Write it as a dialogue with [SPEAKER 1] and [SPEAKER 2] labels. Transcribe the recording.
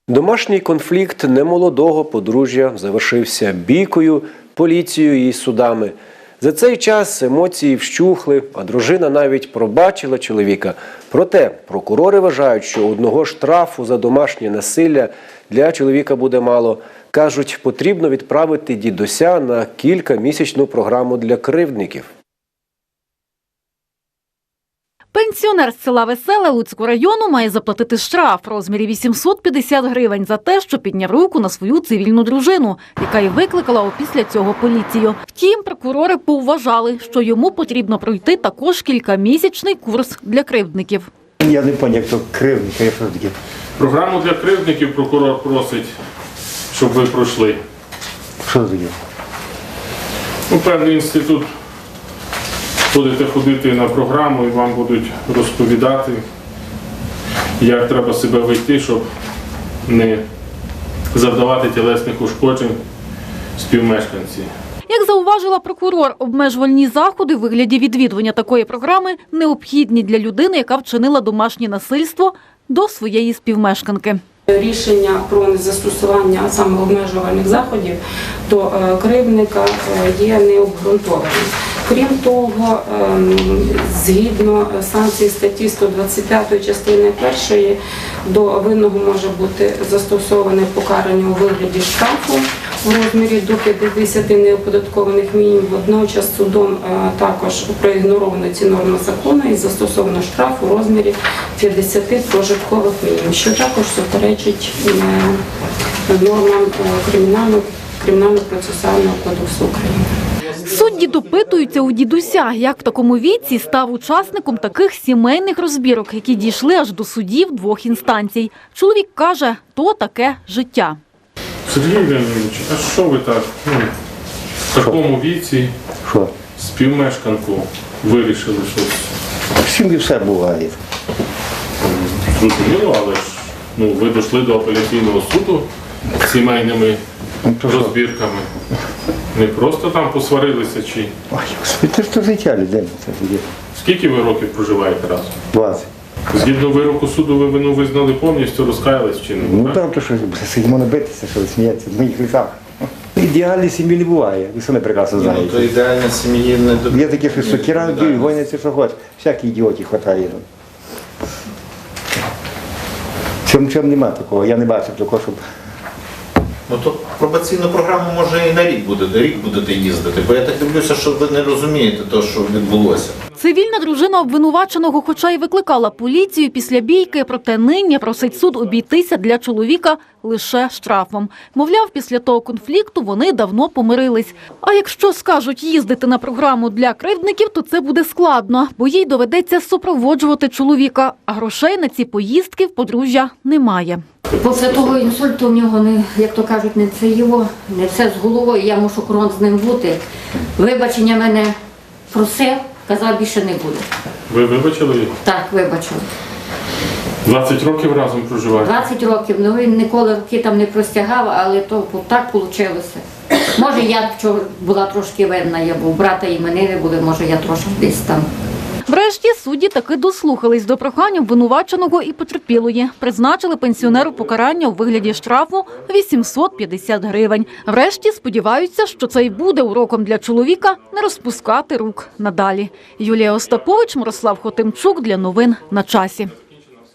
[SPEAKER 1] Домашній конфлікт немолодого подружжя завершився бійкою, поліцією і судами. За цей час емоції вщухли, а дружина навіть пробачила чоловіка. Проте прокурори вважають, що одного штрафу за домашнє насилля для чоловіка буде мало. Кажуть, потрібно відправити дідуся на кількамісячну програму для кривдників.
[SPEAKER 2] Пенсіонер з села Веселе Луцького району має заплатити штраф в розмірі 850 гривень за те, що підняв руку на свою цивільну дружину, яка і викликала опісля цього поліцію. Втім, прокурори повважали, що йому потрібно пройти також кількамісячний курс для кривдників.
[SPEAKER 3] Я не пам'ятаю, як то кривдники, я що таке.
[SPEAKER 4] Програму для кривдників прокурор просить, щоб ви пройшли.
[SPEAKER 3] Що таке?
[SPEAKER 4] Певний інститут. Будете ходити на програму і вам будуть розповідати, як треба себе вести, щоб не завдавати тілесних ушкоджень співмешканці.
[SPEAKER 2] Як зауважила прокурор, обмежувальні заходи в вигляді відвідування такої програми необхідні для людини, яка вчинила домашнє насильство до своєї співмешканки.
[SPEAKER 5] Рішення про незастосування саме обмежувальних заходів до кривдника є необґрунтованим. Крім того, згідно санкцій статті 125 частини 1, до винного може бути застосоване покарання у вигляді штрафу у розмірі до 50 неоподаткованих мінімумів. Водночас судом також проігноровано ці норми закону і застосовано штраф у розмірі 50 прожиткових мінімумів, що також суперечить нормам Кримінально-процесуального кодексу України.
[SPEAKER 2] Судді допитуються у дідуся, як в такому віці став учасником таких сімейних розбірок, які дійшли аж до судів двох інстанцій. Чоловік каже, то таке життя.
[SPEAKER 4] Сергій Леонідович, а що ви так в такому віці співмешканку вирішили щось?
[SPEAKER 3] Всім і все буває.
[SPEAKER 4] Зрозуміло, але ж ви дійшли до апеляційного суду з сімейними розбірками. Не просто там посварилися чи…
[SPEAKER 3] Ой, Господи, це ж то життя людини.
[SPEAKER 4] Скільки ви років проживаєте разом?
[SPEAKER 3] 20.
[SPEAKER 4] Згідно вироку суду ви вину визнали повністю, розкаялись чи не?
[SPEAKER 3] Ну там то що, сидимо не битися, що сміється, в моїх лісах. Ідеальної сім'ї не буває, ви самі прекрасно знаєте.
[SPEAKER 6] Ну, то ідеальна сім'ї не до...
[SPEAKER 3] Є такі, що сокира б'ють, гоняться, що хочеш. Всякі ідіотів хватає. Чому немає такого, я не бачив такого, щоб...
[SPEAKER 6] Ну то пробаційну програму може і на рік будете їздити, бо я так дивлюся, що ви не розумієте те, що відбулося.
[SPEAKER 2] Цивільна дружина обвинуваченого, хоча й викликала поліцію після бійки, проте нині просить суд обійтися для чоловіка лише штрафом. Мовляв, після того конфлікту вони давно помирились. А якщо скажуть їздити на програму для кривдників, то це буде складно, бо їй доведеться супроводжувати чоловіка, а грошей на ці поїздки в подружжя немає.
[SPEAKER 7] Після того інсульту в нього, як то кажуть, не все з головою, я мушу крон з ним бути. Вибачення мене просив, казав, більше не буде.
[SPEAKER 4] Ви вибачили його?
[SPEAKER 7] Так, вибачили.
[SPEAKER 4] 20 років разом проживаєте?
[SPEAKER 7] 20 років, він ніколи руки там не простягав, але то так вийшло. Може, я була трошки винна, я був, брата іменини були, може, я трошки десь там.
[SPEAKER 2] Врешті судді таки дослухались до прохань обвинуваченого і потерпілої. Призначили пенсіонеру покарання у вигляді штрафу 850 гривень. Врешті сподіваються, що це й буде уроком для чоловіка не розпускати рук надалі. Юлія Остапович, Мирослав Хотимчук для новин на часі.